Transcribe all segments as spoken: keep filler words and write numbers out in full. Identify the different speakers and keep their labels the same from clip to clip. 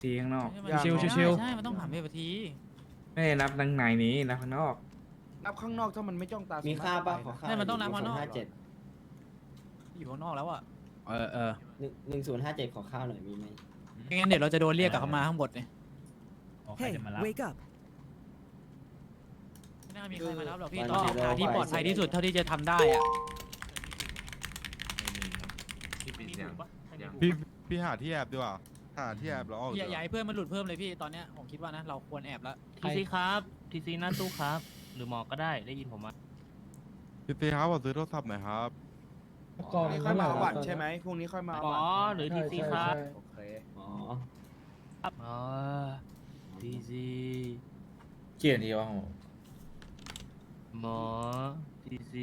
Speaker 1: ทีข้างนอก
Speaker 2: ชิว
Speaker 3: ใช่
Speaker 2: ชิว
Speaker 3: ใช่มันต้องผ่านเวที
Speaker 1: ไม่ได้นับดังในนี้นับข้างนอก
Speaker 4: นับข้างนอกถ้ามันไม่จ้องตา
Speaker 5: มี
Speaker 4: มี
Speaker 5: ค่าป่ะขอค่า
Speaker 3: ใช่มันต้องนับข้างนอก
Speaker 5: ห้าเจ็ด
Speaker 3: อยู่ข้างนอกแล้วอ่ะ
Speaker 2: เออเออ
Speaker 5: หนึ่งหนึ่งศูนย์ห้าเจ็ดขอข้าวหน่อยมีไหม
Speaker 3: ไม่งั้นเดี๋ยวเราจะโดนเรียกกลับเข้ามาข้างบนเนี่ย
Speaker 6: Hey, wake up.
Speaker 3: ไม่น่ามีใครมารับหรอกพี่ต้องหาที่ปลอดภัยที่สุดเท่าที่จะทำได้อ่ะ
Speaker 7: พี่พี่หาที่แอบดีกว่าหาที่แอบแล้วออก
Speaker 3: อย่าอย่าให้เพื่อนมันหลุดเพิ่มเลยพี่ตอนเนี้ยผมคิดว่านะเราควรแอบแล้ว
Speaker 8: ทีซีครับทีซีหน้าตู้ครับ หรือหมอก็ได้ได้ยินผมไหม
Speaker 7: พี่ตีครับขอซื้อโทรศัพท์หน่อยครับ
Speaker 4: พรุ่งนี้ค่อยมาเอาบัตรใช่ไหมพรุ่งนี้ค่อยมาเอา
Speaker 8: หม
Speaker 4: บั
Speaker 8: อ
Speaker 4: ตร
Speaker 8: หรือทีซีครับ
Speaker 4: โอเค
Speaker 5: อ๋อ
Speaker 8: อ๋อทีซี
Speaker 1: เกียรติวะ
Speaker 8: หมอทีซี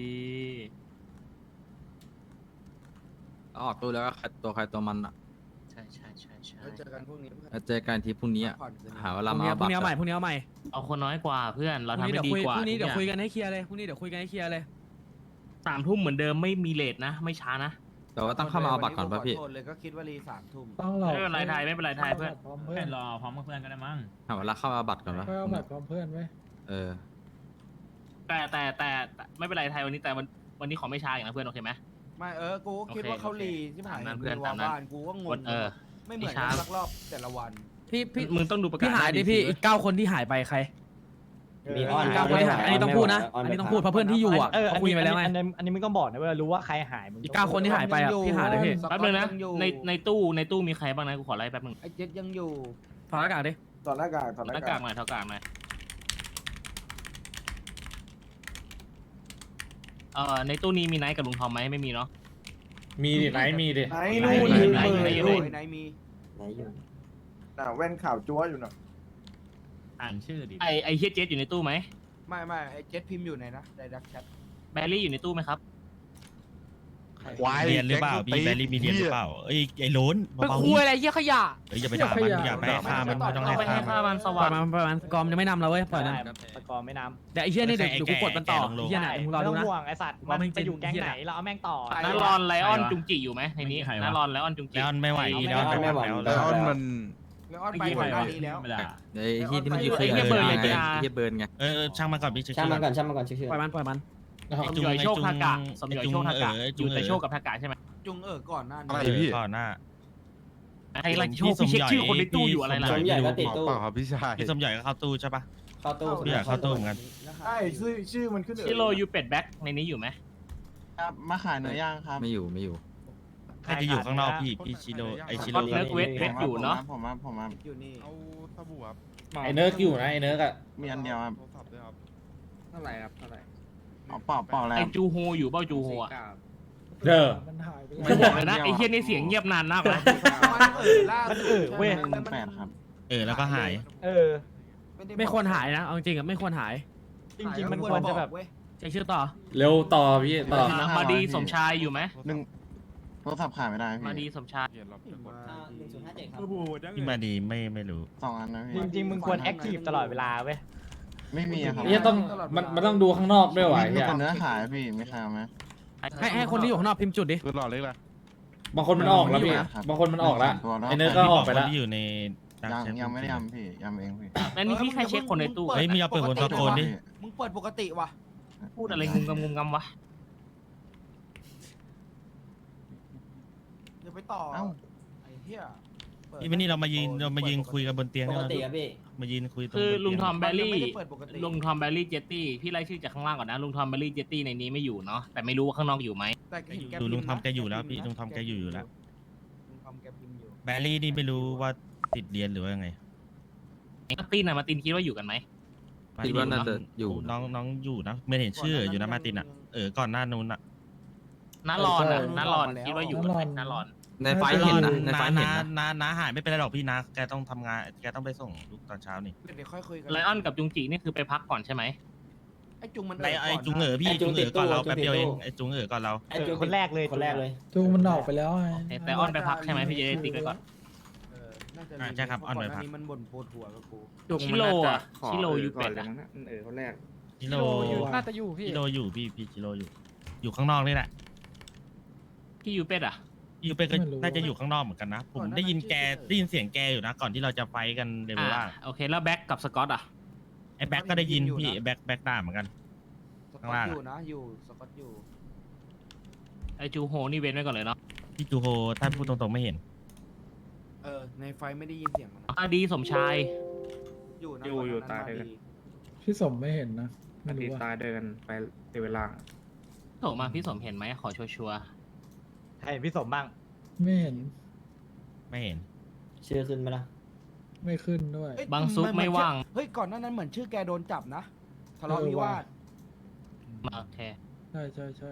Speaker 2: ออกตัวแล้วก็ตัวใครตัวมันอ่ะ
Speaker 8: ใช่ใช่ใช่ใช่
Speaker 4: แล้วเจอกันพรุ่งนี้
Speaker 2: แล้วเจอกันทีพรุ่งนี้อ่ะ
Speaker 4: พักผ่อนคืนนี้
Speaker 2: หาเว
Speaker 6: พ
Speaker 2: ลา
Speaker 6: รุ่ง
Speaker 2: มา
Speaker 6: นี้
Speaker 2: เอา
Speaker 6: พรุ่
Speaker 2: บั
Speaker 6: ง
Speaker 2: ต
Speaker 6: นี้เอาใหม่
Speaker 2: ร
Speaker 6: พรุ่งนี้เอาใหม่
Speaker 8: เอาคนน้อยกว่าเพื่อนเรา
Speaker 6: พรุ่ง
Speaker 8: ทำ
Speaker 6: นี้
Speaker 8: ให้
Speaker 6: เดี๋ยว
Speaker 8: ดี
Speaker 6: คุย
Speaker 8: กว่า
Speaker 6: พรุ่งนี้เดี๋ยวคุย
Speaker 8: ทุ
Speaker 6: กันให้เคลียร์เลยพรุ่งนี้เดี๋ยวคุยกันให้เคลียร์เลย
Speaker 8: สามทุ่มเหมือนเดิมไม่มีเลทนะ ไม่ช้านะ
Speaker 2: แต่ว่าต้องเข้ามาเอาบัตรก่อนป่ะพี่
Speaker 4: ขอโทษเลยก็คิดว่ารีสามทุ่ม
Speaker 9: ต้องรอ
Speaker 8: ไม่เป็นไรไทยไม่เป็นไรไทยเพื่อน
Speaker 9: พร้อมเพื่อน
Speaker 6: รอพร้อมกับเพื่อนกันได้มั้ง
Speaker 2: หาเวลาเข้ามาเอาบัตรก่อนป่ะ
Speaker 9: ค่อยเอาบัตรพร้อมเพื่อนไหม
Speaker 2: เออ
Speaker 8: แต่แต่แต่แต่ไม่เป็นไรไทยวันนี้แต่วันวันนี้ขอไม่ช้าอย่างนะเพื่อนโอเคไหม
Speaker 4: ไม่เออกูก็คิดว่าเขารีที่ผ่าน
Speaker 8: ตามนั้น
Speaker 4: เพื่
Speaker 8: เพื่
Speaker 4: อ
Speaker 8: อน น
Speaker 4: วา
Speaker 8: ตามนั้น
Speaker 4: บ้านกูก็งง
Speaker 8: เออ
Speaker 4: ไม่เหมือน
Speaker 8: ไม่ช้า
Speaker 4: กันสักรอบแต่ละวัน
Speaker 6: พี่พี่
Speaker 8: มึงต้องดูประกาศ
Speaker 6: พี่หายดิพี่อีกเก้าคนที่หายไปใคร
Speaker 5: มีออน
Speaker 6: เก้าคนที่หายอันนี้ต้องพูดนะอันนี้ต้องพูดเพราะเพื่อนที่อยู่อ่ะ
Speaker 9: เออ
Speaker 6: เขาคุยไปแล้วไง
Speaker 9: อันนี้อันนี้มึงต้องบอกนะเว่ารู้ว่าใครหายมึง
Speaker 6: อีกเก้าคนที่หายไปอ่ะพี่หาเลยพี่
Speaker 8: แป๊บนึงนะ
Speaker 4: ยังอยู่
Speaker 8: ในในตู้ในตู้มีใครบ้างนะกูขอไล่แป๊บนึง
Speaker 4: ไอ้เจ็ดยังอยู่
Speaker 6: ถอดหน้ากากดิ
Speaker 4: ถอดหน้ากากถอดห
Speaker 8: ห
Speaker 4: น้า
Speaker 8: น้ากาก
Speaker 4: าก
Speaker 8: กหน่อยเท่ากากหน่อยเอ่อในตู้นี้มีไนท์กับลุงทอมไหมไม่มีเนาะ
Speaker 1: มีดิไหนมีดิ
Speaker 4: ไหนนู่น
Speaker 8: ไหนไหนไหนไหน
Speaker 4: ไหนมี
Speaker 5: ไหนอยู่
Speaker 4: น่ะแว่นข่าวจั๊วอยู่น่ะ
Speaker 6: อ่านชื่อดิ
Speaker 8: ไอไอเฮียเจสอยู่ในตู้ไหม
Speaker 4: ไม่ไม่ไอ้เจ็ดพิมพ์อยู่ไหนนะในดักแชท
Speaker 8: แบลลี่อยู่ในตู้ไหมครับ
Speaker 7: ควาย
Speaker 10: เรียนหรือเปล่าพี่แบลลี่มีเรียนหรือเปล่าเอ้ยไอ้โล้น
Speaker 3: ไป
Speaker 10: เบา
Speaker 3: คุยอะไรเยี่ยขยะ
Speaker 10: ๆเอ้ยอย่าไปด่ามันอย่าไปให้ฆ่ามันไม่ต้อง
Speaker 8: เอา
Speaker 10: ให้
Speaker 8: ไป
Speaker 10: ฆ่า
Speaker 8: ให้
Speaker 10: มัน
Speaker 8: ค่ามันส
Speaker 6: ปล่
Speaker 8: ว่า
Speaker 6: อง ยมันปล่อยมันกอมจะไม่นำเราเว้ยปล่อยมัน
Speaker 9: ตะกอนไม่น้ำ
Speaker 6: เดี๋ยวไอ้เหี้ยนี่เดี๋ยว
Speaker 10: ไอ้
Speaker 6: เดี๋ยวกูกดมันต่อ
Speaker 10: แก่ลงๆ
Speaker 6: ไอ้เหี้ยไหนมึงรอ
Speaker 9: ไม่
Speaker 6: ดู
Speaker 9: ต้อง
Speaker 6: นะ
Speaker 9: ห่วงไอสัตว์
Speaker 6: ว่า
Speaker 9: มัน
Speaker 6: มัน
Speaker 9: ไปอยู่แก๊ง
Speaker 6: เหี้ย
Speaker 9: ไหนเราเอาแม่งต่อ
Speaker 8: นัรอนไลออนจุงจิอยู่ไหมในนี้
Speaker 6: ใครวะ
Speaker 8: นัรอนไลออนจุงจิ
Speaker 10: แล้วไม่ไหว
Speaker 5: ไม่
Speaker 10: แล้ว
Speaker 5: ไหว
Speaker 10: ไม่ไหว
Speaker 5: ไม่ไหว
Speaker 10: แล้ว
Speaker 7: แล้วมัน
Speaker 4: แล้วออนไปก่อนหน้านี้แล้ว
Speaker 2: ไอ้ที่ที่มันอยู่คือไอ้เบิร์นไงไอ้เหี้ยเบิร์นไง
Speaker 10: เออเออช่างมันก่อนพี่
Speaker 5: ช่างมันก่อนช่างมันก่อนชื่อ
Speaker 6: ปล่อยมันปล่อยมัน
Speaker 8: สมยอยโชคทากะสมยอยโชคทากะอยู่แต่โชคกับทากะใช่ไหม
Speaker 4: จุงเออก่อนหน้านี้
Speaker 7: อะไร
Speaker 10: เออ
Speaker 7: พี่
Speaker 10: ก่อนหน้า
Speaker 8: ใครไรโชคพี่เช็คชื่อคนในตู้อยู่อะไรล่ะ
Speaker 5: สมใหญ่ก็ติด
Speaker 7: หมอ
Speaker 5: ตู้
Speaker 7: เปล่าครับพี่ชาย
Speaker 10: พี่สมใหญ่ก็เข้าตู้ใช่ปะ
Speaker 5: เข้าตู้
Speaker 10: พี่อยากเข้าตู้เหมือนกัน
Speaker 4: ใช่ชื่อชื่อมันขึ้น
Speaker 8: ชิโรยูเป็ดแบ็กในนี้อยู่ไหม
Speaker 4: ครับมาขายเนื้อย่างครับ
Speaker 2: ไม่อยู่ไม่อยู่
Speaker 10: ใครจะอยู่ข้างนอกพี่พี่ชิโร่ไอชิโร่
Speaker 8: ก็เนิร์กเวทเวทอยู่เนาะ
Speaker 4: ผมว่าผมว่าอยู่นี่
Speaker 7: เอาสบู่ครับ
Speaker 1: ไอเนิร์กอยู่นะไอเนิร์กอะ
Speaker 4: มีอันเดียวครับ
Speaker 7: โทรศัพท์ด้วยครับ
Speaker 1: เท่าไหร่ครับเท่าไหร่
Speaker 4: เอาเปล่าเปล่าแล้ว
Speaker 8: ไอจูโฮอยู่เป้าจูโฮอะ
Speaker 1: เด้อ
Speaker 9: มันหายไป
Speaker 8: ไม่บอกเลยนะไอเฮียนี่เสียงเงียบนานมากนะ
Speaker 9: มันเออเว้ย
Speaker 4: แปดครับ
Speaker 10: เออแล้วก็หาย
Speaker 9: เออ
Speaker 6: ไม่ควรหายนะเอาจริงๆอ่ะไม่ควรหาย
Speaker 9: จริงๆมันควรจะแบบ
Speaker 6: เช็คชื่อต่อ
Speaker 1: เร็วต่อพี่ต่อ
Speaker 8: มาดีสมชายอยู่ไหม
Speaker 4: หนึ่งโทรศัพท์ขายไม่ได้
Speaker 8: มาดีสมชาย
Speaker 7: เขียนรับจะกด
Speaker 5: หนึ่งศูนย์ห้าเจ็ดครับ
Speaker 10: พี่มาดีไม่ไม่รู้
Speaker 4: สองอันนะ
Speaker 9: จริงๆมึงควรแอคทีฟตลอดเวลาเว้ย
Speaker 4: ไม่มีครับ
Speaker 1: นี่ต้องมันมันต้องดูข้างนอกด้วยว่ะ
Speaker 4: มี
Speaker 1: เฮีย
Speaker 4: แต่เนื้อขายพี่ไม่ขายไหม
Speaker 6: ให้ให้คนที่อยู่ข้างนอกพิมพ์จุดดิ
Speaker 7: คือหล่อเล็กเลย
Speaker 1: บางคนมันออกแล้วพี่บางคนมันออกแล้วไอเนิร์กก็ออกไปแล้ว
Speaker 10: ที่อยู่ใน
Speaker 4: ยังยังไม่ได้ยำพี่ยำเองพี่
Speaker 8: แล้วนี่พี่ใครเช็คคนในตู้
Speaker 10: เฮ้ยไม่เอาเปิดคนตะโกนดิ
Speaker 4: มึงเปิดปกติว่ะ
Speaker 8: พูดอะไรงุมงำงุมงำวะ
Speaker 4: เดี๋ยวไปต่อเอ้าไอ้เหี้ย
Speaker 10: พี่วันนี้เรามายืนเรามายืนคุยกันบนเตียง
Speaker 5: ป
Speaker 10: นี่
Speaker 5: ก
Speaker 10: นะ
Speaker 5: ติครับพี่
Speaker 10: มายืนคุยตรง
Speaker 8: คือบ
Speaker 10: น
Speaker 8: ลุง
Speaker 10: เตีย
Speaker 8: ทอมแบลลี่
Speaker 4: ไม่ได้เปิดปกติ
Speaker 8: ลุงทอมแบลลี่เจตตี้พี่ไล่ชื่อจากข้างล่างก่อนนะลุงทอมแบลลี่เจตตี้ในนี้ไม่อยู่เนาะแต่ไม่รู้ว่าข้างนอกอยู่ไหม
Speaker 4: แต่เห็นแก
Speaker 10: ดู
Speaker 4: พิมพ์นะ
Speaker 10: ลุงทอมแกอยู่แล้วพี่ลุงทอมแกอยู่อยู่แล้ว
Speaker 4: ลุงทอมแกพิมพ์อยู่
Speaker 10: แบลลี่นี่ไม่รู้ว่าติดเรียนหรือว่ายังไง
Speaker 8: มาร์ตินอะมาร์ตินคิดว่าอยู่กันไหม
Speaker 2: คิดว่าน่าจะอยู่
Speaker 10: น้องน้องอยู่นะไม่เห็นชื่ออยู่นะมาร์ตินอ่ะเออก่อนหน้านู้นอ่ะ
Speaker 8: น้ารอนอะน้ารอนคิดว่าอยู่กันไหมน้ารอน
Speaker 2: ในไฟล์เห็นนะในไฟล์เห็น
Speaker 10: น้า
Speaker 2: นะ
Speaker 10: น้าน้าหายไม่เป็นไรหรอกพี่นะแกต้องทำงานแกต้องไปส่งลูกตอนเช้านี่
Speaker 4: เดี๋ยวค่อยคุยกัน
Speaker 8: ไลออนกับจุงจีนี่คือไปพักก่อนใช่ไหม
Speaker 4: ไอ้จุงมัน
Speaker 10: ไอไอจุงเอ๋อพี่จุงเอ๋อก่อนเราแป๊บเดียวเองไอจุงเอ๋อก่อนเรา
Speaker 9: เออคนแรกเลย
Speaker 5: คนแรกเลย
Speaker 9: จูมันออกไปแล้วไง
Speaker 8: แต่ออนไปพักใช่ไหมพี่จะได้ติ๊กไว้ก่อน
Speaker 4: เออน่าจะ
Speaker 10: อ่าใช่ครับออนไปพัก
Speaker 4: ก่นี้มันบ่นปวดหัวกับกู
Speaker 1: จุก
Speaker 8: ชิ
Speaker 1: มัน
Speaker 8: โร่
Speaker 1: น่าจะ
Speaker 8: อะ
Speaker 1: ขอ
Speaker 8: ชิโร่
Speaker 1: เออ
Speaker 8: ยู
Speaker 1: ก่อ
Speaker 8: เป็น ด
Speaker 1: เลย
Speaker 8: อะ
Speaker 1: มั้งนะเออคนแรก
Speaker 10: ชิโร
Speaker 3: น่าจะอยู่พี่
Speaker 10: ชิโรอยู่พี่พี่ชิโรอยู่ อยู่ข้างนอกนี่แหละ
Speaker 8: พี่ยูเป็ดอะ
Speaker 10: อยู่เป็นก็น่าจะอยู่ข้างนอกเหมือนกันนะ ผมได้ยินแกได้ยินเสียงแกอยู่นะ ก่อนที่เราจะไฟกันเลเวลล่าง
Speaker 8: อ่ะโอเคแล้วแบ็กกับสกอตอ่ะ
Speaker 10: ไอ้แบ็กก็ได้ยินพี่แบ็กแบ็กด่าเหมือนกัน
Speaker 4: สก
Speaker 10: ข้าง
Speaker 4: อต
Speaker 10: ล่าง
Speaker 4: อ
Speaker 10: อะ
Speaker 4: ยู่นะอยู่สกอตอยู่
Speaker 8: ไอจูโฮนี่เว้นไว้ก่อนเลยเนาะ
Speaker 10: พี่จูโฮท่านพูดตรงๆไม่เห็น
Speaker 4: เออในไฟไม่ได้ยินเสียงมันนะ
Speaker 8: อดีสมชาย
Speaker 4: อยู่นะ
Speaker 1: อยู่
Speaker 4: วันนั้น
Speaker 1: อยู่ตาย
Speaker 4: ม
Speaker 1: เลย
Speaker 4: ดี
Speaker 9: พี่สมไม่เห็นนะ ไม่
Speaker 1: ตี
Speaker 9: รู้ว่า
Speaker 1: ตายเดินไปเวลา
Speaker 8: โถมาพี่สมเห็นไหมขอชัวร์
Speaker 9: ใครเห็นพี่สมบ้าง
Speaker 11: ไม่เห็น
Speaker 10: ไม่เห็น
Speaker 5: ชื่อขึ้นไหมล่ะ
Speaker 11: ไม่ขึ้นด้วย
Speaker 4: เอ้ย
Speaker 8: บางซุป
Speaker 4: นน
Speaker 8: ไม่ว่าง
Speaker 4: เฮ้ยก่อนหน้านั้นเหมือนชื่อแกโดนจับนะทะเลาะ
Speaker 11: เออ
Speaker 4: วิวา
Speaker 11: ว่ะ
Speaker 4: ท
Speaker 8: มาโอเค
Speaker 11: ใช่ใช่ใช่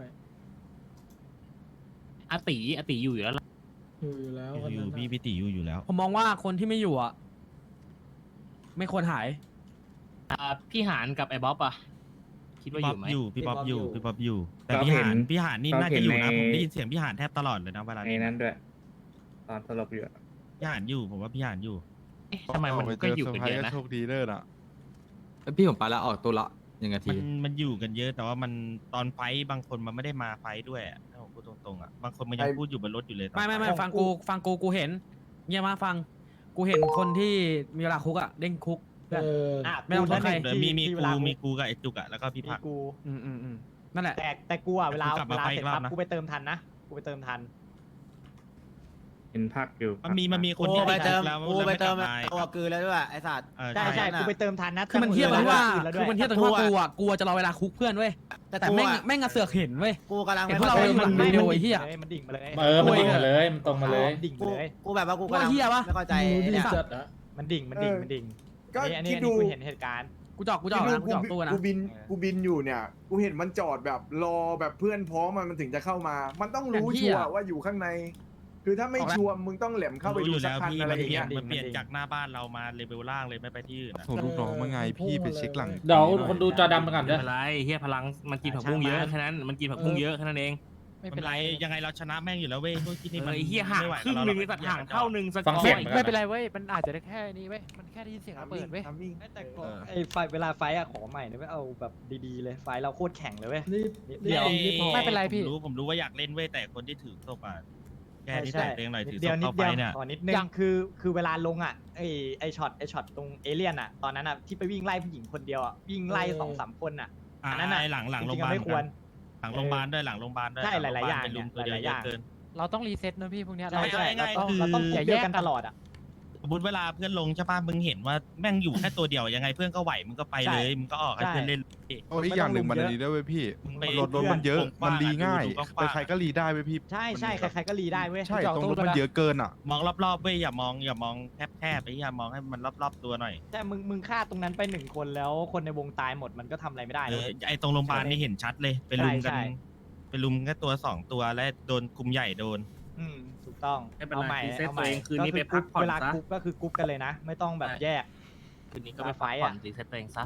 Speaker 8: อาติอาติอยู่อยู่แล้วล่ะ
Speaker 11: อยู่อยู่แล้ว
Speaker 10: อ
Speaker 11: คน
Speaker 10: ยู่
Speaker 11: นั้น
Speaker 10: พี่
Speaker 11: น่ะ
Speaker 10: พิติอยู่อยู่แล้ว
Speaker 6: ผมมองว่าคนที่ไม่อยู่อ่ะ ไม่ควรหาย
Speaker 8: อ่าพี่หานกับไอ้บ๊อบอ่ะคิด
Speaker 10: พี่
Speaker 8: ว่าอ
Speaker 10: ป๊อป
Speaker 8: ยู่ไหม
Speaker 10: อยู่พี่ป๊อปอยู่
Speaker 5: พี่
Speaker 10: พี่
Speaker 5: ป๊
Speaker 10: ป๊
Speaker 5: อ
Speaker 10: อ
Speaker 5: ป
Speaker 10: ปอยู่ แต่
Speaker 1: ก็
Speaker 10: พี่
Speaker 1: เห็น
Speaker 10: หานพี่หานนี่
Speaker 1: ก็
Speaker 10: น่า
Speaker 1: เห็
Speaker 10: จะ
Speaker 1: น
Speaker 10: อยู่นะ
Speaker 1: ใน
Speaker 10: ผมได้ยินเสียงพี่หานแทบตลอดเลยนะเวลา
Speaker 1: ใน
Speaker 10: นี้
Speaker 1: นั้นด้วย ตอนสลบอยู่อะ
Speaker 10: พี่หานอยู่ผมว่าพี่หานอยู่
Speaker 8: เอ๊ะทำไมมันก็อยู่กันเยอะนะ
Speaker 7: โชคดีเด้อน่ะ
Speaker 2: พี่ผมไปแล้วออกตัวละยังไงที
Speaker 10: มันมันอยู่กันเยอะแต่ว่ามันตอนไฟท์บางคนมันไม่ได้มาไฟท์ด้วยอะถ้าผมพูดตรงๆอ่ะบางคนมันยังพูดอยู่บนรถอยู่เลยตอน
Speaker 6: ไม่ไม่ไม่
Speaker 10: ฟท์
Speaker 6: ฟังกูฟังกูกูเห็นเงียบมาฟัง กูเห็นคนที่มีเวลาคุกอ่ะเด้งคุกเพื่อน
Speaker 11: เออ
Speaker 9: อ่ะ
Speaker 6: ไม่ต้องโทษใคร
Speaker 10: เดี๋ยวมีมี
Speaker 9: ที่เว
Speaker 10: กู
Speaker 9: ลา
Speaker 10: มีกูกับไอ้จุกอะแล้วก็พี่
Speaker 9: มี
Speaker 10: ผัก
Speaker 9: กู
Speaker 6: อืมอืมอืมนั่นแหละ
Speaker 9: แต่แต่กูอ่ะเวลา
Speaker 10: กูกลับ
Speaker 9: เว
Speaker 10: มา
Speaker 9: ลา
Speaker 10: ไฟ
Speaker 9: เสร็จ
Speaker 10: อีกรอบ
Speaker 9: ปั๊บ
Speaker 10: นะ
Speaker 9: กูไปเติมทันนะ กูไปเติมทัน
Speaker 1: เห็นพักอยู่
Speaker 10: มันมีมันมีคน
Speaker 5: กู
Speaker 10: ที่
Speaker 5: ไปเติม
Speaker 10: แล้ว
Speaker 5: กูไปเติม
Speaker 10: แล้วไม่กลับ
Speaker 5: ตัวกือแล้วด้วยไอ้สัตว์
Speaker 10: เออ
Speaker 9: ใช่ใช่กูไปเติมทันนะ
Speaker 6: คือมันเทียบตรงที่ว่า
Speaker 9: แล้วด้
Speaker 6: คื
Speaker 9: วย
Speaker 6: อมันเทียบตรงที่ว่ากูอ่ะกูจะรอเวลาคุกเพื่อนเว้ย แต่แม่งแม่งอะเสือกเห็นเว้ย
Speaker 5: กูกำลัง
Speaker 6: เห็นพวกเราอยู่หลัง
Speaker 9: ไม่
Speaker 6: วิดีโอไอ้เหี้ย
Speaker 9: มันดิ่งมาเลย
Speaker 1: เออมันตรงมาเลยมันตรงมาเลย
Speaker 9: ดิ่ง
Speaker 5: กู
Speaker 9: มาเลย
Speaker 5: กูแบบว่ากูกำลัง
Speaker 6: ว่าเหี้ยปะ
Speaker 5: ไม่เข้าใจ
Speaker 11: รู้ดี
Speaker 5: เนี่ย
Speaker 11: จัดอะ
Speaker 9: มันดิ่งมันดิ่งมันดิ่ง
Speaker 12: ก็
Speaker 9: อันนี้
Speaker 12: คิ
Speaker 9: อั
Speaker 12: ด
Speaker 9: น
Speaker 12: ดู
Speaker 9: นี้กูเห็นเหตุการณ์
Speaker 6: กูจอกกูจอกนะกูจอกตู้นะ
Speaker 12: กูบินกูบินอยู่เนี่ย กูเห็นมันจอดแบบรอแบบเพื่อนพร้อมมันมันถึงจะเข้ามา มันต้องรู้
Speaker 6: อย่างเหี้
Speaker 12: ชั
Speaker 6: ย
Speaker 12: วร์ว่าอยู่ข้างใน คือถ้าไม่
Speaker 6: ออกแล้ว
Speaker 12: ชัวร์มึงต้องแหลมเข้าไป
Speaker 10: รู้
Speaker 12: ดู
Speaker 10: อยู่
Speaker 12: สัก
Speaker 10: แล้ว
Speaker 12: พัน
Speaker 10: พี่
Speaker 12: อะไร
Speaker 10: มัน
Speaker 12: อย่าง
Speaker 10: เปลี่
Speaker 12: เงี้
Speaker 10: ยน
Speaker 12: ย
Speaker 10: มันเปลี่ยนจากหน้าบ้านเรามาเลเวลล่างเลยไม่ไปที่อื่นอะ
Speaker 7: ส่งลูกน้องมาไงพี่ไปเช็คหลัง
Speaker 1: เดี๋ยวคนดูจอดำไปก่อน
Speaker 8: ไม่
Speaker 1: ด้วย
Speaker 8: เป็นไรเฮียพลังมันกินผักบุ้งเยอะแค่นั้นมันกินผักบุ้งเยอะแค่นั้นเอง
Speaker 10: ไม่เป็นไรยังไงเราชนะแม่งอยู่แล้วเว้ยพวกที่นี่
Speaker 8: เอ
Speaker 10: มัน
Speaker 8: อไอ้เฮียห่าง
Speaker 10: ไม่ไหว
Speaker 8: ครึ่ง
Speaker 10: กับ
Speaker 8: หนึ่ง
Speaker 10: เร
Speaker 8: ไอ้สัตว์ห่างเท่าหนึ่งสก
Speaker 1: ฟัง
Speaker 8: อร์
Speaker 1: เสียง
Speaker 8: อีก
Speaker 1: ไม่
Speaker 3: ไม่เป็นไรเว้ย มันอาจจะได้แค่นี้เว้ย มันแค่ได้ยินเสียงระเบิดเว้ย
Speaker 12: ทำมิ่ง
Speaker 9: แต่ก็ไอ้ไฟเวลาไฟอะขอใหม่นะไม่เอาแบบดีๆเลยไฟเราโคตรแข็งเลยเว้ย
Speaker 11: รีบ
Speaker 9: เดี๋ยว
Speaker 11: รีบพอ
Speaker 3: ไม่เป็นไรพี่
Speaker 10: ผมรู้ผมรู้ว่าอยากเล่นเว้ยแต่คนที่ถือศพอ่ะแกที่
Speaker 9: ใช่
Speaker 10: แต่เตียงหน่อยถือศ
Speaker 9: เดียว
Speaker 10: พ
Speaker 9: นิด
Speaker 10: เข้าไฟ
Speaker 9: เดียว
Speaker 10: เนี่ย
Speaker 9: ขอนิดนึง
Speaker 3: ยัง
Speaker 9: คือคือเวลาลงอ่ะไอไอช็อตไอช็อตตรงเอเลี่ยนอ่ะตอนนั้นอ่ะที่ไปวิ่งไล่ผู้หญิงคนเดียวอ่ะวิ่งไล่
Speaker 11: เออ
Speaker 9: สองสามคนอ่ะ
Speaker 10: อ่า
Speaker 9: อันนั้นน่ะ
Speaker 10: หลังหลัง
Speaker 9: จ
Speaker 10: โร
Speaker 9: ริ
Speaker 10: งพ
Speaker 9: ง
Speaker 10: ยา
Speaker 9: ๆ
Speaker 10: บาล
Speaker 9: ไม่ควร
Speaker 10: หลังโรงพยาบาลด้วยหลังโรงพยาบาลด้วย
Speaker 9: ใช่หลายๆอย่าง
Speaker 10: เป็นลุม
Speaker 9: เนี่ย
Speaker 10: ตัวเดียว
Speaker 9: หลายๆอย่าง
Speaker 10: เยอะเกิน
Speaker 3: เราต้องรีเซ็ตนะพี่พวกเนี้ย
Speaker 9: ใช่
Speaker 3: เรา
Speaker 9: ใช่
Speaker 10: ง่ายๆ
Speaker 9: เราต้อง
Speaker 10: คือ
Speaker 9: เราต้องกลุ่มเดียวกันตลอดอ่ะ
Speaker 10: สมมติเวลาเพื่อนลงใช่ป่ะมึงเห็นว่าแม่งอยู่แค่ตัวเดียวยังไงเพื่อนก็ไหวมึงก็ไป
Speaker 9: ใช่
Speaker 10: เลยมึงก็ออกให้
Speaker 9: ใช่
Speaker 10: เพื่อนเล่น
Speaker 7: โอ้ยอีกอย่างหนึ่งมันอันนี้ด้วยเว้ยพี่
Speaker 10: มึงไป
Speaker 7: รถรถมันเยอะ
Speaker 10: กว้างๆ
Speaker 7: มันรีง่าย
Speaker 10: ดูกว้างๆ
Speaker 7: ใครๆก็รีได้เว้ยพี่
Speaker 9: ใช่ใช่ใครๆก็รีได้เว้ย
Speaker 7: ใช่ตรงรถมันเยอะเกินอ่ะ
Speaker 10: มองรอบๆเว้ยอย่ามองอย่ามองแคบๆไปอย่ามองให้มันรอบๆตัวหน่อย
Speaker 9: ใช่มึงมึงฆ่าตรงนั้นไปหนึ่งคนแล้วคนในวงตายหมดมันก็ทำอะไรไม่ได้
Speaker 10: เอ
Speaker 9: นะ
Speaker 10: อไอตรงโรงพยาบาลนี่เห็นชัดเลยไปลุมกัน
Speaker 9: ใช่ใช่
Speaker 10: ไปลุมแค่ตัวสองตัวและโดนกลุ่มใหญ่โดน
Speaker 9: อืมถูกต้อง
Speaker 8: ไม่เป็น
Speaker 9: เอา
Speaker 8: ไร
Speaker 9: ใหม่
Speaker 8: รีเซ็ต
Speaker 9: เอา
Speaker 8: ตัว
Speaker 9: ใหม่
Speaker 8: เองคืนนี้ไป
Speaker 9: ก็
Speaker 8: พักผ่อน
Speaker 9: เวลา
Speaker 8: ซะ
Speaker 9: กรุ๊ปก็คือกรุ๊ปกันเลยนะ ไม่ต้องแบบแยก
Speaker 8: คืนนี้ก็ไป
Speaker 9: ไฟ
Speaker 8: พัก
Speaker 9: ท์
Speaker 8: ผ่อ
Speaker 9: อะ
Speaker 8: นรีเซ็ตตัวเองซะ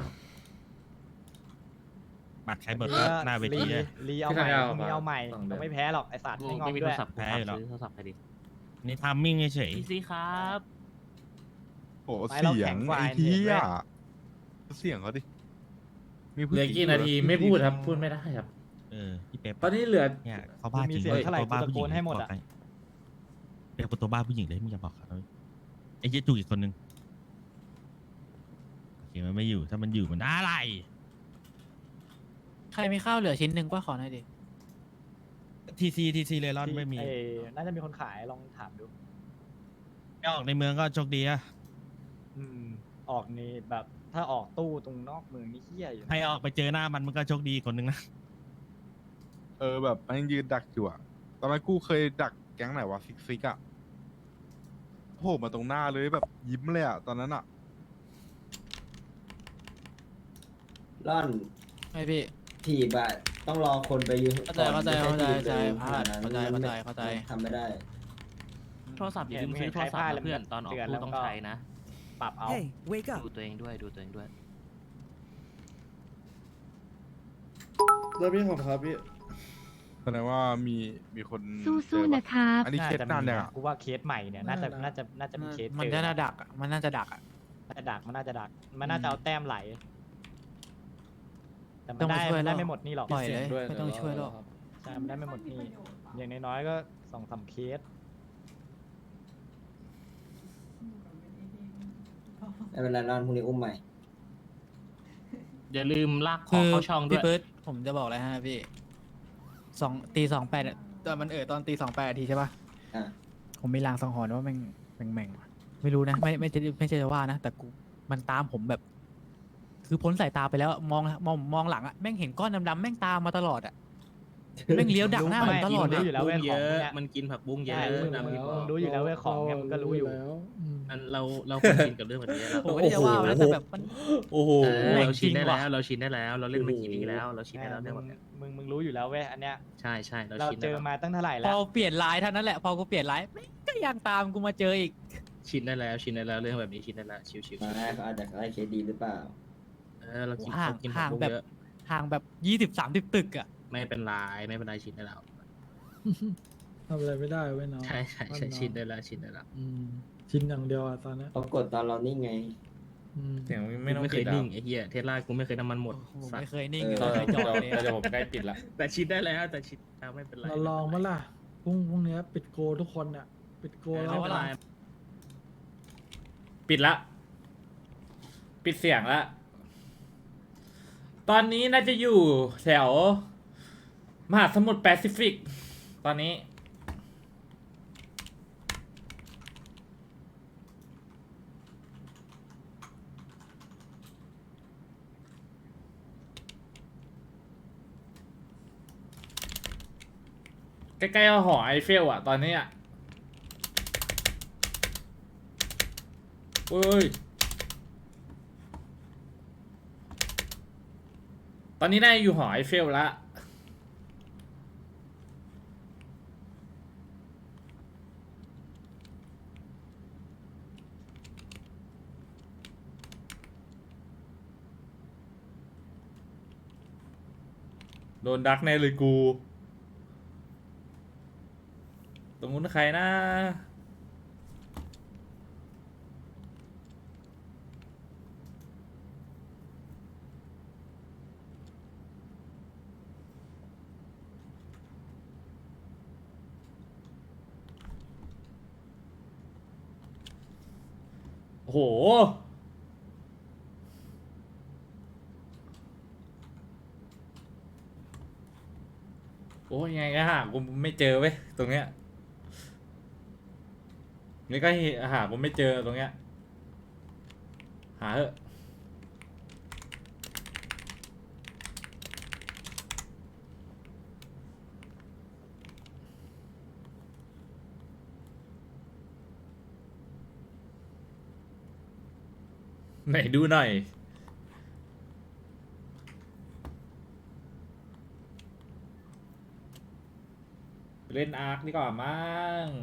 Speaker 10: บัตรใครเบิกหน้าเวทีเลย
Speaker 9: รีเอาใหม่พรุ่งนี้เอาใหม่
Speaker 1: สองเดือน
Speaker 9: ต้องไม่แพ้หรอกไอสัตว์ไม่งอ
Speaker 8: ไม่
Speaker 9: ม
Speaker 8: มีโท
Speaker 9: ด้
Speaker 8: ร
Speaker 9: วย
Speaker 8: ศัพท์
Speaker 10: แพ้อยู่แล้ว
Speaker 8: ซื้อโทรศัพท์ไปดิ
Speaker 10: นี่ทามมิ่งเฉย
Speaker 8: พีซีครับ
Speaker 7: โอ้
Speaker 9: ไฟเรา
Speaker 7: เสีย
Speaker 9: แข็
Speaker 7: ง
Speaker 9: งกว่า
Speaker 7: ไอ้
Speaker 9: เห็น
Speaker 7: เหี้
Speaker 9: ไหม
Speaker 7: ยเสียงเขาดิมี
Speaker 1: เห
Speaker 7: ผู้
Speaker 1: ลือ
Speaker 7: หญิง
Speaker 1: กี่นาทีไม่พูดครับ พูดไม่ได้ครับ
Speaker 10: ๆเออพี่เป๊ป
Speaker 1: ตอนนี้เหลือ
Speaker 10: เนี่ยเขาบ้าจริง
Speaker 9: มีเสียง
Speaker 10: เลย
Speaker 9: เท่าไหร่
Speaker 10: ตัวบ้า
Speaker 9: กูตะ
Speaker 10: ผู้ห
Speaker 9: โก
Speaker 10: ญิง
Speaker 9: นให้หมดอะ
Speaker 10: บอกเป๊ปเป็นตัวบ้าผู้หญิงเลยมึงอย่าบอกเขาเลยไอ้เจ๊จุกอีกคนนึงโอเคมันไม่อยู่ถ้ามันอยู่มันอะไร
Speaker 3: ใครมีข้าวเหลือชิ้นหนึ่งก็ขอหน่อยดิ
Speaker 10: ทีซีทีซีเลรอนไม่มี
Speaker 9: เอ้ยน่าจะมีคนขายลองถามดู
Speaker 10: ไม่ออกในเมืองก็โชคดีอะ
Speaker 9: อืมออกนี่แบบถ้าออกตู้ตรงนอกเมืองนี่เฮี้ยอยู่นะ
Speaker 10: ให้ออกไปเจอหน้ามันมันก็โชคดีคนนึงนะ
Speaker 7: เออแบบมันยืนดักอยู่อะตอนนั้นกูเคยดักแก๊งไหนวะฟิกฟิกอะโผล่มาตรงหน้าเลยแบบยิ้มเลยอะตอนนั้นอะ
Speaker 5: ร่อน
Speaker 3: ไม่พี่
Speaker 5: ถีบอะต้องรอคนไปยืน
Speaker 3: เข้าใจเข้าใจ
Speaker 5: ก่อน
Speaker 3: เข้าใจ
Speaker 5: ไม่ใช่ถีบ
Speaker 3: เข้าใจ
Speaker 5: ลย
Speaker 3: เข้าใจ
Speaker 5: ขนดนั้น
Speaker 3: เข้าใจเข้าใจ
Speaker 5: ทำไม่ได้
Speaker 8: โทรศัพท์อย่าลืมซื้อโทรศัพท์นะเพื่อนตอนออกตู้ต้องใช้นะ
Speaker 9: ปรับเอา
Speaker 8: ดูตัวเองด้วยดูตัวเองด้วย
Speaker 1: แล้วพี่ผมครับพี่
Speaker 7: แสดงว่ามีมีคน
Speaker 13: สู้ๆ
Speaker 7: เจอป
Speaker 13: นะครับ
Speaker 7: อันนี้เคสนานยังอะ
Speaker 9: กูว่าเคสใหม่เนี่ยน่าจะน่าจะน่าจะมีเคส
Speaker 3: มัน
Speaker 9: เจอ
Speaker 3: น่าจะดักอะมันน่าจะดักอะ
Speaker 9: น่าจะดักมันน่าจะดัก มันน่าจะเอาแต้มไหล แต่มั
Speaker 3: ต้อน ง
Speaker 9: ได้
Speaker 3: มาช่วย
Speaker 9: มันได้
Speaker 3: เรา
Speaker 9: ไม่หมดนี่หรอก
Speaker 3: ปล่อยเลยไม่ต้องช่วยหรอก
Speaker 9: ใช่มันได้ไม่หมดนี่อย่างน้อยๆก็สสองสามเคส
Speaker 5: ไม่เป็นไรรอนพรุ่งนี้อุ้มใหม่
Speaker 8: อย่าลืมลากข
Speaker 3: คื
Speaker 8: อง
Speaker 3: อ
Speaker 8: เข้าช่องด้ว
Speaker 3: พี่
Speaker 8: ย
Speaker 3: เบิร์ดผมจะบอกอะไรฮะพี่สองตีสองแปดตอนมันเออตอนตีสองแปดทีใช่ปะ
Speaker 5: อ่ะ
Speaker 3: ผมมีลางสังหรณ์ว่าแม่งแม่งแม่งไม่รู้นะ ไม่ไม่ใช่ไม่ใช่จะว่านะ แต่กูมันตามผมแบบ คือพ้นสายตาไปแล้วอะมองมองมองหลังอะแม่งเห็นก้อนดำๆแม่งตามมาตลอดอะแม่งเลี้ยวดักหน้าผมตลอด
Speaker 9: รู้
Speaker 3: เลย
Speaker 9: อยู่แล้วเว้ย
Speaker 8: เย
Speaker 9: ของ
Speaker 8: อะ
Speaker 9: เนี่ย
Speaker 8: มันกินผักบุ้งเยอะ
Speaker 9: ใช่มึง
Speaker 8: นะ
Speaker 9: มึง
Speaker 8: พี่บอก
Speaker 9: รู้อยู่แล้วเว้ยของเนี่ยมันก็รู้อยู่
Speaker 11: แล้วอืม
Speaker 8: อันเราเราควรชินกับเรื่องแบบนี้แล้ว
Speaker 3: ผมไม่ได้จะว่านะแต่แบบมัน
Speaker 1: โอ้โห
Speaker 8: เออ
Speaker 3: แม่ง
Speaker 8: เราชินได้
Speaker 3: จริงว่ะ
Speaker 8: แล้วเราชินได้แล้ว เราเล่นมากี่ปีแล้ว เราชินได้แล้วเรื่องแบบเนี้ย
Speaker 9: มึงมึงรู้อยู่แล้วเว้ยอันเนี้ย
Speaker 8: ใช่ใช่เรา
Speaker 9: เรา
Speaker 8: ชิน
Speaker 9: เจ
Speaker 8: ได้
Speaker 9: อ
Speaker 8: แล้ว
Speaker 9: มาตั้งเท่าไหร่
Speaker 3: พ
Speaker 9: แล้
Speaker 3: อ
Speaker 9: ว
Speaker 3: เปลี่ยนไลน์เท่านั้นแหละพอกูเปลี่ยนไลน์แม่งก็ยังตามกูมาเจออีก
Speaker 8: ชินได้แล้วชินได้แล้วเรื่องแบบนี้ชินได้แล้วชิวๆชิว
Speaker 5: มาได้เขาอาจจะไล่เคสดีหรือเปล่า
Speaker 8: เออเรากิน
Speaker 3: ห่าง
Speaker 8: เรากินผั
Speaker 3: ห่าก ง
Speaker 8: บุ้ง
Speaker 3: แบบ
Speaker 8: เยอะ
Speaker 3: ห่างแบบยี่สิบสามสิบตึกอะ
Speaker 8: ไม่เป็นไรไม่เป็นไรชินได้แล้ว
Speaker 11: ทำอะไรไม่ได้เว้ยน้อง
Speaker 8: ใช่ใช่ใช่ชินได้แล้วชินได้แล้ว
Speaker 11: อืมชินอย่างเดียวอ่ะตอนเนี้ย
Speaker 5: เขากดตอนเรานิ่งไง
Speaker 11: อืม
Speaker 1: เสียงไม่ต้อง
Speaker 8: ไม่เค
Speaker 1: ปิ
Speaker 8: ย
Speaker 1: ดแล้ว
Speaker 8: นิ่งไอ้เหี้ยเทสลากูไม่เคยน้ำมันหมด
Speaker 3: ผม
Speaker 8: สัต
Speaker 3: ไม่
Speaker 8: ว์
Speaker 3: เคยนิ่ง
Speaker 5: เออ
Speaker 3: ไม่เคยจอดเลย
Speaker 1: เดี๋ยว
Speaker 3: อะ
Speaker 1: ผมใกล้ปิดละ
Speaker 8: แต่ชินได้แล้วแต่ชินแล้วไม่เป็นไร
Speaker 11: เราลองมาล่ะพรุ่งพรุ่งนี้ปิดโกทุกคนอ่ะ ปิดโก
Speaker 8: ไม่
Speaker 11: แล้ว
Speaker 8: เป็นไร
Speaker 1: ปิดละ ปิดเสียงละ ตอนนี้น่าจะอยู่แถว มหาสมุทรแปซิฟิก ตอนนี้ ใกล้ๆหอไอเฟลอะตอนนี้อะโอ้ย ตอนนี้น่าจะอยู่หอไอเฟลละโดนดักแน่เลยกู ตรงนู้นใครนะ โอ้โห โอ้ยยังไงก็หากูไม่เจอเว้ยตรงเนี้ยนี่ก็หากูไม่เจอตรงเนี้ยหาเถอะไหนดูหน่อย เล่นอาร์คดีกว่ามั้ง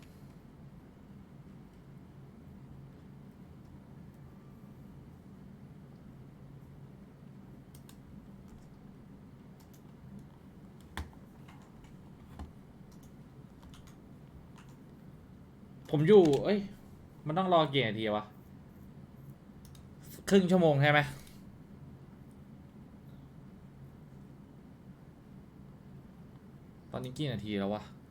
Speaker 1: ผมอยู่ เอ้ย มันต้องรอกี่นาทีวะ ครึ่งชั่วโมงใช่ไหม ตอนนี้กี่นาทีแล้ววะ